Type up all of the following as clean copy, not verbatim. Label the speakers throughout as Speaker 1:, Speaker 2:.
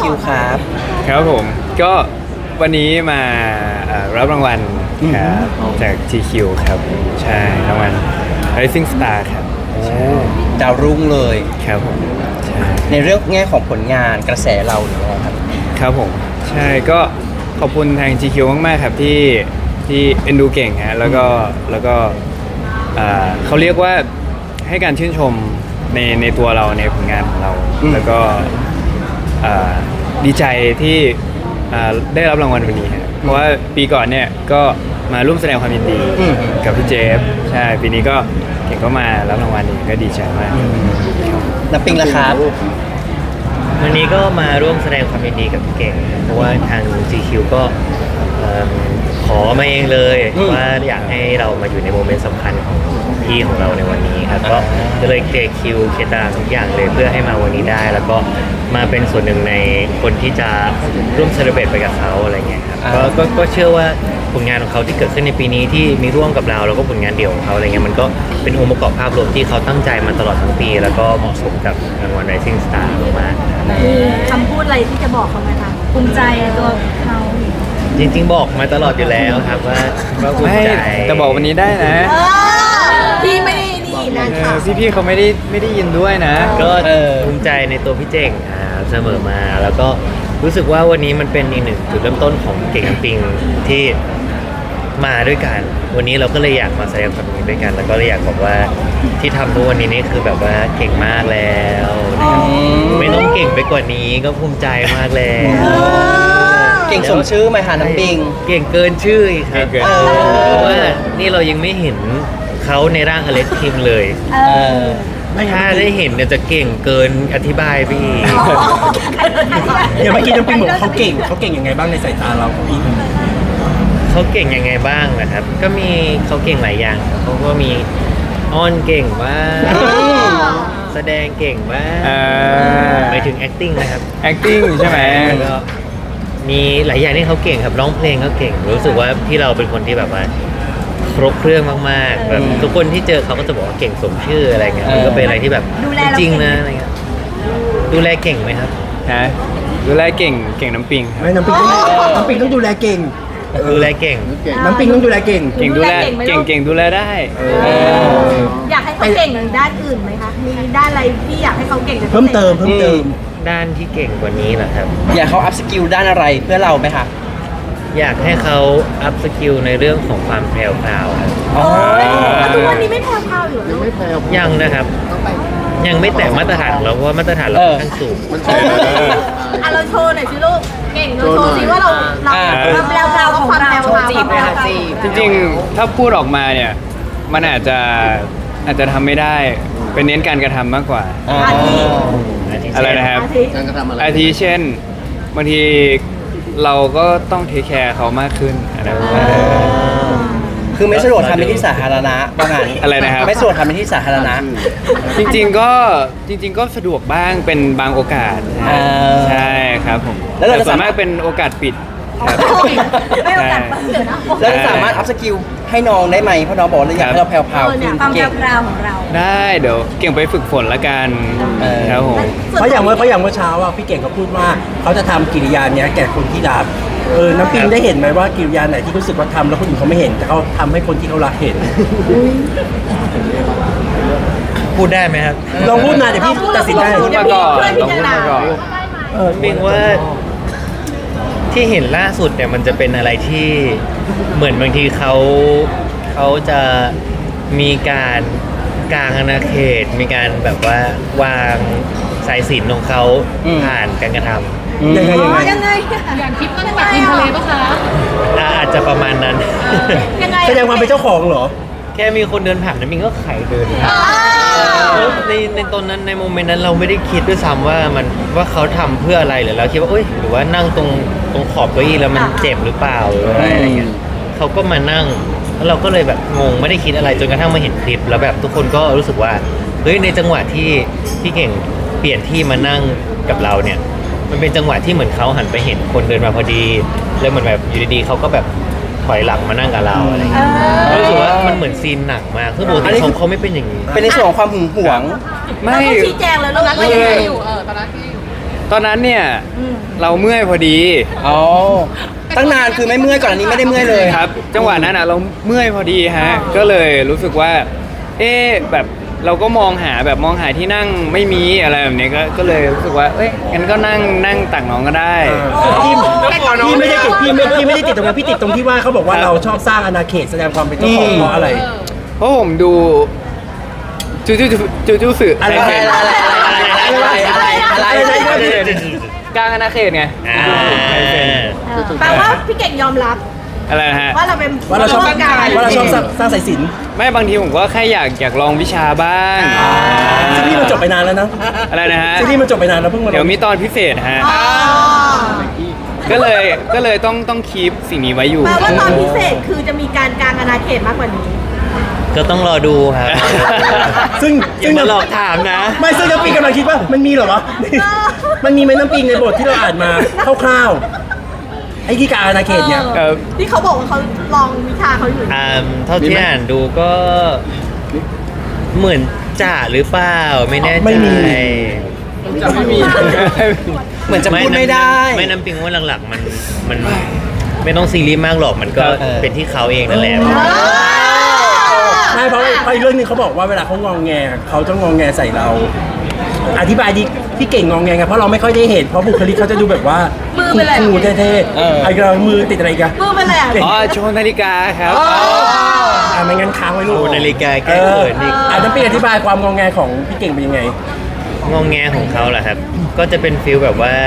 Speaker 1: คิวครับ
Speaker 2: ครับผมก็วันนี้มารับรางวัลครับจาก GQ ครับใช่รางวัล Rising Star ครับใช่
Speaker 1: ดาวรุ่งเลย
Speaker 2: ครับผมใช่
Speaker 1: ในเรื่องแง่ของผลงานกระแสเราหรืออะไรครับ
Speaker 2: ครับผมใช่ก็ขอบคุณทาง GQ มากๆครับที่เอ็นดูเก่งฮะแล้วก็เขาเรียกว่าให้การชื่นชมในตัวเราในผลงานของเราแล้วก็ดีใจที่ได้รับรางวัลวันนี้ครับเพราะว่าปีก่อนเนี่ยก็มาร่วมแสดงความยินดีกับพี่เจฟใช่ปีนี้ก็เก่งก็มารับรางวัลนี้ก็ดีใจมาก
Speaker 1: น้ำปิงละครับ
Speaker 3: วันนี้ก็มาร่วมแสดงความยินดีกับพี่เก่งเพราะว่าทาง GQ ก็ขอมาเองเลยว่าอยากให้เรามาอยู่ในโมเมนต์สำคัญของพี่ของเราในวันนี้ครับก็เลยเคลียร์คิวเคลียร์ตารางทุกอย่างเลยเพื่อให้มาวันนี้ได้ แล้วก็มาเป็นส่วนหนึ่งในคนที่จะร่วมเซเลบรตไปกับเขาอะไรเงี้ยครับก็เชื่อว่าผลงานของเขาที่เกิดขึ้นในปีนี้ที่มีร่วมกับเราแล้วก็ผลงานเดี่ยวของเขาอะไรเงี้ยมันก็เป็นองค์ประกอบภาพรวมที่เขาตั้งใจมาตลอดทั้งปีแล้วก็เหมาะสมกับรางวัล Rising Star มากๆ
Speaker 4: มีคำพูดอะไรที่จะบอกเขาไหมคะภูมิใจในตัวเขา
Speaker 3: จริงๆบอกมาตลอดอยู่แล้วครับว่าภูมิใจ
Speaker 2: แต่บอกวันนี้ได้นะ
Speaker 4: พี่ไม่ได้นี่นะคะ
Speaker 2: พี่เขาไม่ได้ยินด้วยนะ
Speaker 3: ก็ภูมิใจในตัวพี่เจ๋งเสมอมาแล้วก็รู้สึกว่าวันนี้มันเป็นอีกหนึ่งจุดเริ่มต้นของเก่งน้ำปิงที่มาด้วยกันวันนี้เราก็เลยอยากมาแสดงความยินดีด้วยกันแล้วก็เลยอยากบอกว่าที่ทำทุกวันนี้นี่คือแบบว่าเก่งมากแล้วไม่ต้องเก่งไปกว่านี้ก็ภูมิใจมากแล้ว
Speaker 1: เก่งสมชื่อไหมคะน้ำปิง
Speaker 3: เก่งเกินชื่ออีกครับเพราะว่านี่เรายังไม่เห็นเขาในร่างอเล็กทีมเลยถ้าได้เห็นเนี่ยจะเก่งเกินอธิบายไปอีก
Speaker 5: เดี๋ยวเมื่อกี้น้ำปิงบอกเขาเก่งยังไงบ้างในสายตาเราพี่
Speaker 3: เขาเก่งยังไงบ้างนะครับก็มีเขาเก่งหลายอย่างเขาก็มีอ้อนเก่งบ้างแสดงเก่งบ้างไปถึง acting นะครับ
Speaker 2: acting ใช่ไหม
Speaker 3: ก็มีหลายอย่างที่เขาเก่งครับร้องเพลงก็เก่งรู้สึกว่าที่เราเป็นคนที่แบบว่าครบเครื่องมากๆแบบทุกคนที่เจอเขาก็จะบอกว่าเก่งสมชื่ออะไรเงี้ยมันก็เป็นอะไรที่แบบจริงนะอะไรเงี้ยดูแลเก่งไหมครับ
Speaker 2: ฮะดูแลเก่งน้ำปิง
Speaker 5: ไม่น้ำปิงต้องดูแลเก่ง
Speaker 3: ดูแลเก่ง
Speaker 5: น้ำปิงต้องดูแลเก่ง
Speaker 2: ดูแลเก่งดูแลได้
Speaker 4: อยากให้เขาเก่งด้านอื่นไหมคะมีด้านอะไรที่อยากให้เขาเก่ง
Speaker 5: เพิ่มเติม
Speaker 3: ด้านที่เก่งกว่านี้เหรอครับ
Speaker 1: อยากเขาอัพสกิลด้านอะไรเพื่อเราไหมคะ
Speaker 3: อยากให้เขาอัพสกิลในเรื่องของความแพรวพราวครับ
Speaker 4: ทุกวันนี้ไม่แพรวพราวอยู่ยังไม่แพรว
Speaker 3: ยังนะครับยังไม่แต่มาตรฐานของเราเพราะว่ามาตรฐานเราค่อนข้างสูง
Speaker 4: เราโชว์หน่อยสิลูกเก่งเราโชว์สิว่าเราแพรวพราวของเราจีบนะคะ
Speaker 2: จริงๆถ้าพูดออกมาเนี่ยมันอาจจะทำไม่ได้เป็นเน้นการกระทำมากกว่าอะไรนะครับอาทิเช่นบางทีเราก็ต้องเทคแคร์เขามากขึ้นอะไรแบบนี้
Speaker 1: คือไม่สะดวกทำในที่สาธารณะว่างั้น
Speaker 2: อะไรนะครับ
Speaker 1: ไม่สะดวกทำในที่สาธารณะ
Speaker 2: จริงๆก็สะดวกบ้างเป็นบางโอกาสใช่ครับผมแล้วส่วนมากเป็นโอกาสปิดครับ
Speaker 4: ไม่โอกาสเปิดนะ
Speaker 1: แล้วสามารถอัพสกิลให้น้องได้ไหมเพราะน้องบอกว่าอยากให้เราแพรวๆขึ้น
Speaker 4: ความแพรวของเรา
Speaker 2: ได้เดี๋ยวเก่งไปฝึกฝนละกันครับผม
Speaker 5: เพราะอย่างเมื่อเช้าอ่ะพี่เก่งเขาพูดว่าเขาจะทำกิริยาเนี้ยแก่คนที่รักน้ำปิงได้เห็นไหมว่ากิริยาไหนที่รู้สึกว่าทำแล้วคนอื่นเขาไม่เห็นแต่เขาทำให้คนที่เขารักเห็น
Speaker 3: พูดได้ไหมครับ
Speaker 5: ลองพูดมาเดี๋ยวพี่ตัดสินได้
Speaker 2: พูดมาก่อนต้องพูดมาก่อน
Speaker 3: ปิงว่าที่เห็นล่าสุดเนี่ยมันจะเป็นอะไรที่เหมือนบางทีเขาจะมีการกางอาณาเขตมีการแบบว่าวางสายสิญจน์ของเขาผ่านการกระทำ
Speaker 4: ยังไง
Speaker 6: อย่างคลิปนั่งแบบริมทะเลปะคะ
Speaker 3: อาจจะประมาณนั้น
Speaker 5: แสดงความเป็นเจ้าของเหรอ
Speaker 3: แค่มีคนเดินผ่านนั้นมิงก็ไขเดินในตอนนั้นในโมเมนต์นั้นเราไม่ได้คิดด้วยซ้ำว่าเขาทำเพื่ออะไรหรือเราคิดว่าหรือว่านั่งตรงขอบเก้าอี้แล้วมันเจ็บหรือเปล่าหรืออะไรเงี้ยเขาก็มานั่งแล้วเราก็เลยแบบงงไม่ได้คิดอะไรจนกระทั่งมาเห็นคลิปแล้วแบบทุกคนก็รู้สึกว่าในจังหวะที่พี่เก่งเปลี่ยนที่มานั่งกับเราเนี่ยมันเป็นจังหวะที่เหมือนเขาหันไปเห็นคนเดินมาพอดีแล้วเหมือนแบบอยู่ดีๆเขาก็แบบถอยหลังมานั่งกับเราอะไรเงี้ยรู้สึกว่ามันเหมือนซีนหนักมากคือปกติเขาไม่เป็นอย่างนี้
Speaker 1: เป็นในส่วนของความหึงหวง
Speaker 4: ไม่ชี้แจงเลยตอนนั้นเรายังไงอยู่
Speaker 6: ตอนนั้นที่
Speaker 2: ตอนนั้นเนี่ยเราเมื่อยพอดี
Speaker 1: อ๋อตั้งนานคือไม่เมื่อยก่อนอันนี้ไม่ได้เมื่อยเลย
Speaker 2: ครับ จังหวะนั้นเราเมื่อยพอดีฮะก็เลยรู้สึกว่า แบบเราก็มองหาที่นั่งไม่มีอะไรแบบนี้ก็เลยรู้สึกว่างั้นก็นั่งตักน้องก็ได้
Speaker 5: พี่ไม่ได้ติดพี่ไม่ได้ติดตรงนั้นพี่ติดตรงที่ว่าเขาบอกว่าเราชอบสร้างอาณาเขตแสดงความเป็นเจ้าของเพราะอะไร
Speaker 2: เพราะผมดูจูสื่อ
Speaker 5: อะไร
Speaker 2: ใครเป็น กลางอาณาเขตไง ใครเป็น
Speaker 4: แปลว่าพี่เก่งยอมรับ
Speaker 2: อะไรนะฮะ
Speaker 4: ว่าเราเป็น
Speaker 5: ว่าเราชอบ
Speaker 4: ผู้การ
Speaker 5: ว่าเราชอบสร้างสายสิญจน์
Speaker 2: ไม่บางทีผมก็แค่อยากลองวิชาบ้าง
Speaker 5: ซีรีส์มันจบไปนานแล้วนะ
Speaker 2: อะไรนะฮะ
Speaker 5: ซีรีส์มันจบไปนานแล้วเพิ่งมาลง
Speaker 2: เดี๋ยวมีตอนพิเศษฮะ
Speaker 4: อ๋อ
Speaker 2: ก็เลยต้องคีปสิ่งนี้ไว้อยู่
Speaker 4: แปลว่าตอนพิเศษคือจะมีการกลางอาณาเขตมากกว่านี้
Speaker 3: ก็ต้องรอดูครับ
Speaker 5: ซึ่ง
Speaker 3: อย่ามาหลอกถามนะ
Speaker 5: ไม่ซึ่งน้ำปิงกำลังคิดว่ามันมีเหรอวะ มันมีไหมน้ำปิงในบทที่เราอ่านมาคร่าวๆไอ้ที่การอาณาเขตเนี่ย
Speaker 2: ครับ
Speaker 4: ที่เขาบอกว่าเขาลองวิชาเขาอยู่
Speaker 3: เท่าที่อ่านดูก็เหมือนจ่าหรือเปล่าไม่แน่ใจ
Speaker 5: ไม่มี
Speaker 1: เหมือนจะพูดไม่ได้
Speaker 3: ไม่น้ำปิงว่าหลักๆมันไม่ต้องซีรีส์มากหรอกมันก็
Speaker 1: เออ
Speaker 3: เป็นที่เขาเองนั่นแหละ
Speaker 5: ใช่เพราะอีกเรื่องหนึงเขาบอกว่าเวลาเขางองแงเขาจะงองแงใส่เรา อธิบายดิพี่เก่งงองแงไงเพราะเราไม่ค่อยได้เห็นเพราะบุคลิกเขาจะดูแบบว่า
Speaker 4: มือเป็นอะไร
Speaker 5: คูลๆเท่ๆไอ้เรามือติดอะไรกัน
Speaker 4: มือเป็นอะไรอ่ะ
Speaker 2: อ๋อโชว์นาฬิกาครับ
Speaker 5: ไม่งั้นค้างไว้ลูก
Speaker 3: โอ้นาฬิกาแก้เขินอีก
Speaker 5: น้ำปิงอธิบายความงองแงของพี่เก่งเป็นยังไง
Speaker 3: งองแงของเขาเหรอครับ ก็จะเป็นฟิลแบบว่า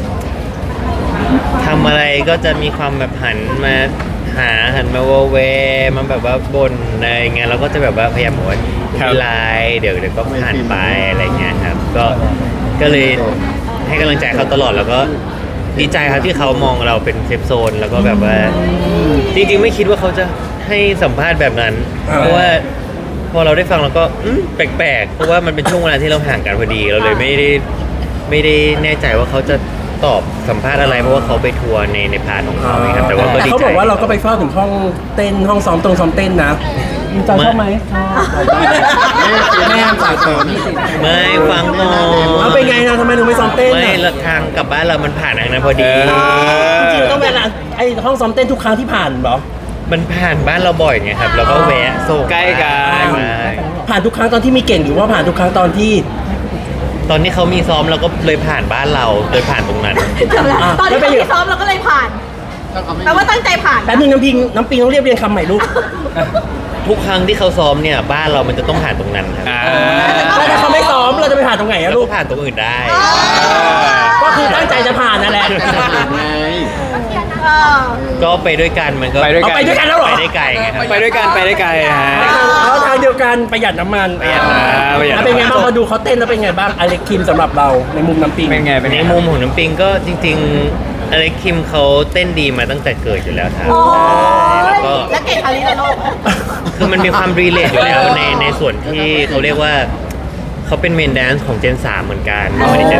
Speaker 3: ทำอะไรก็จะมีความแบบหันมาโวเวมันแบบว่าบ่นอะไรเงี้ยเราก็จะแบบว่าพยายามบอกว่า
Speaker 2: ครับ
Speaker 3: ไม่เป็นไรเดี๋ยวก็ผ่านไปอะไรเงี้ยครับ ก็เลยให้กำลังใจเขาตลอดแล้วก็ดีใจครับที่เขามองเราเป็นเซฟโซน แล้วก็แบบว่าจริงๆไม่คิดว่าเขาจะให้สัมภาษณ์แบบนั้น เพราะว่าพอเราได้ฟังเราก็แปลกๆเพราะว่ามันเป็นช่วงเวลาที่เราห่างกันพอดีเราเลยไม่ได้แน่ใจว่าเขาจะตอบสัมภาษณ์อะไรเพราะว่าเขาไปทัวร์ในพาร์ทของเขาไงครับแต่ว่าก็ดีใจ
Speaker 5: เขาบอกว่าเราก็ไปเฝ้าถึงห้องเต้นห้องซ้อมเต้นนะมีจอยชอบไหมแม่ฝากเสริม
Speaker 3: ไม่ฟังก่อน
Speaker 5: เอาเป็นไงนะทำไมถึงไม่ซ้อมเต้น
Speaker 3: ไม่
Speaker 5: น่ะ
Speaker 3: ละทางกลับบ้านเรามันผ่านทางนั้นพอดี
Speaker 5: จริงๆต้องเวลาไอ้ห้องซ้อมเต้นทุกครั้งที่ผ่านเหรอ
Speaker 3: มันผ่านบ้านเราบ่อยไงครับเราก็แวะส่ง
Speaker 2: ใกล้กัน
Speaker 3: มา
Speaker 5: ผ่านทุกครั้งตอนที่มีเก่งหรือว่าผ่านทุกครั้งตอนที่
Speaker 3: ตอนนี้เขามีซ้อมเราก็เลยผ่านบ้านเราเลยผ่านตรงนั้น
Speaker 4: จำแล้วตอนที่เขาที่ซ้อมเราก็เลยผ่านแปลว่าตั้งใจผ่าน
Speaker 5: แป๊บนึงน้ำปิงต้องเรียบเรียงคำใหม่ลูก
Speaker 3: ทุกครั้งที่เขาซ้อมเนี่ยบ้านเรามันจะต้องผ่านตรงนั้นครับ
Speaker 5: แล้วถ้าเขาไม่ซ้อมเราจะไปผ่านตรงไหนอะ
Speaker 3: แล้ว
Speaker 5: ลู
Speaker 3: ก็
Speaker 5: ก
Speaker 3: ผ่านตรงอื่นได้
Speaker 5: ก็คือตั้งใจจะผ่านนั่นแหละ
Speaker 4: เออ
Speaker 3: ก็ไปด้วยกันมันก็
Speaker 2: ไปด้วย
Speaker 5: เอาไปด้วยกันแล้วเหรอ
Speaker 3: ไปได้ไกลไงครับ
Speaker 2: ไปด้วยกันไปได้ไกลฮะ
Speaker 5: แล้วทางเดียวกันประหยัดน้ำมัน
Speaker 3: ประหยัดน้ำมัน
Speaker 2: ประหยัดน้ำมัน
Speaker 5: แล้วเป็นไงบ้างพอดูเขาเต้นแล้วเป็นไงบ้างอเล็กคิมสำหรับเราในมุมน้ำปิง
Speaker 2: เป็นไงเป็น
Speaker 3: ใน
Speaker 2: ไง
Speaker 3: มุมของน้ำปิงก็จริงๆอเล็กคิมเขาเต้นดีมาตั้งแต่เกิดอยู่แล้วครับ
Speaker 4: โอ้
Speaker 3: แล้ว
Speaker 4: ย
Speaker 3: ก็
Speaker 4: แล้วเก่งคาริโลก
Speaker 3: คือมันมีความรีเลทอยู่แล้วในส่วนที่เขาเรียกว่าเขาเป็นเมนแดนซ์ของเจน 3 เหมือนกันไม่ได้เจน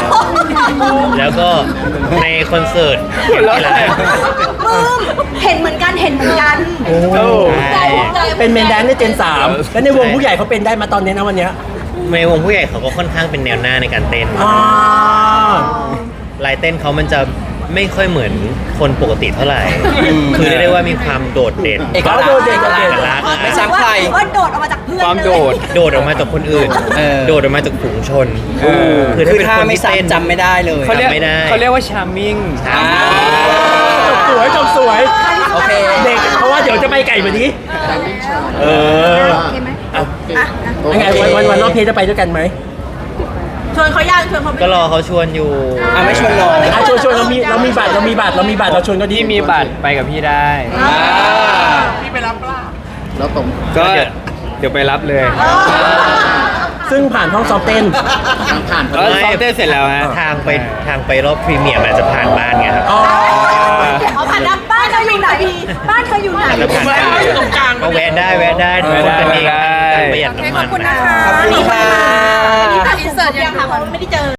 Speaker 3: 3 แล้วก็ในคอนเสิร์ตเห็นที่ร้าน
Speaker 4: เห็นเหมือนกันเห็นเหมือนกัน
Speaker 5: โอ้
Speaker 3: ใช่
Speaker 5: เป็นเมนแดนซ์ในเจน 3 แล้วในวงผู้ใหญ่เขาเป็นได้มาตอนนี้นะวันเนี้ย
Speaker 3: ในวงผู้ใหญ่เขาก็ค่อนข้างเป็นแนวหน้าในการเต้น
Speaker 5: อ่า
Speaker 3: ลายเต้นเขามันจะไม่ค่อยเหมือนคนปกติเท่าไหร่ คือเรียกได้ว่ามีความโดดเด่น
Speaker 1: เอกลักษณ์
Speaker 5: โดดเด่น
Speaker 3: เอกลักษณ์
Speaker 1: ไม่ซ้ำใคร
Speaker 4: ว่าโดดออกมาจากเพื่อน
Speaker 2: ความโดด
Speaker 3: โดดออกมาจากคนอื่น
Speaker 1: เออ
Speaker 3: โดดออกมาจากฝูงชน
Speaker 1: คือ
Speaker 3: ถ้าเป็น
Speaker 1: ถ้า
Speaker 3: คน
Speaker 1: ไม่
Speaker 3: ที่เต้น
Speaker 1: ซ้ำจำไม่ได้เลย
Speaker 2: เขาเรียก
Speaker 3: จำไม่ได้
Speaker 2: เขาเรียกว่า charming
Speaker 5: จบสวย
Speaker 1: โอเค
Speaker 5: เด็กเพราะว่าเดี๋ยวจะไปไก่วันนี้เออ
Speaker 4: โอเคไหม
Speaker 5: ยังไงวันรอบเพลงจะไปด้วยกันไหม
Speaker 4: ชวนเขาย่างชวนเขาไป
Speaker 3: ก็รอเขาชวนอยู่
Speaker 1: ไม่ชวนน้อง
Speaker 5: ชวนเรามีบัตรเราชวนก็ดี
Speaker 2: ที่มีบัตรไปกับพี่ได้ ก็เดี๋ยวไปรับเลย
Speaker 5: ซึ่งผ่านห้องซ้อมเต้น
Speaker 2: แล้วซ้อมเต้นเสร็จแล้วฮะ
Speaker 3: ทางไปรอบพรีเมียร์มันจะผ่านบ้านไงครับ
Speaker 4: เอาผ่านดับบ้านเธออยู่ไหนบ้านเธออยู่ไหน
Speaker 3: แล้วผ่านบ้านก็แวะได้คนกันเอง
Speaker 2: ได้
Speaker 3: ประหยัดน้ำมัน
Speaker 4: ขอบคุณนะคะ
Speaker 1: ขอบคุณค่ะ
Speaker 4: นี่ตัดอินเสิร์ตยังค่ะเพราะไม่ได้เจอ